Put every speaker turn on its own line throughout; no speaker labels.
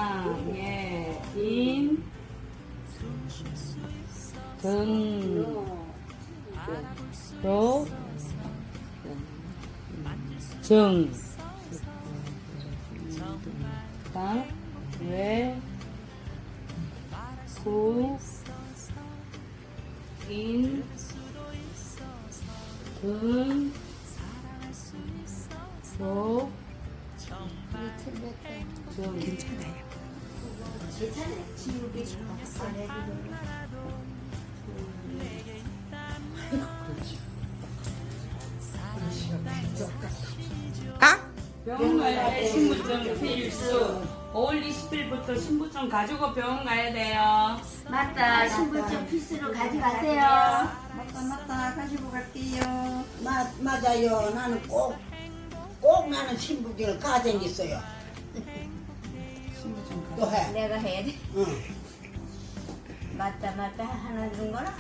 예, 인, 등, 로, 정, 당, 외, 구, 인, 등, 로, 정.
괜찮아요. 아?
병원 가야 돼. 신분증 필수. 5월 20일부터 신분증 가지고 병원 가야 돼요.
맞다. 신분증 필수로 가져가세요.
맞다 가지고 갈게요.
맞아요. 나는 꼭 나는 신부증을 가져있어요. 또 해.
내가 해야 돼.
응.
맞다 하나 준거나?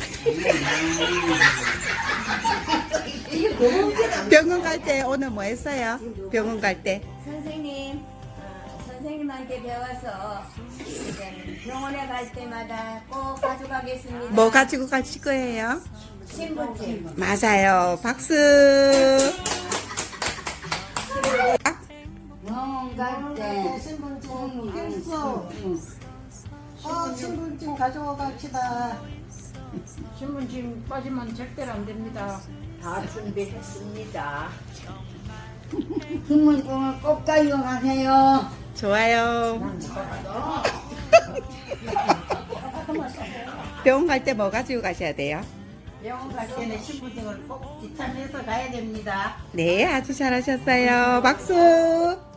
병원 갈 때 오늘 뭐 했어요? 병원 갈 때.
선생님, 선생님한테 배워서 이제 병원에 갈 때마다 꼭 가져가겠습니다.
뭐 가지고 가실 거예요?
신분증.
맞아요. 박수. 아,
병원 갈 때.
신분증 필수. 신분증 가지고 갑시다.
신분증 빠지면 절대로 안 됩니다.
다 준비했습니다. 신분증을 꼭 가져가세요.
좋아요. 병원 갈 때 뭐 가지고 가셔야 돼요?
병원 갈 때는 신분증을 꼭 지참해서 가야 됩니다.
네, 아주 잘하셨어요. 박수.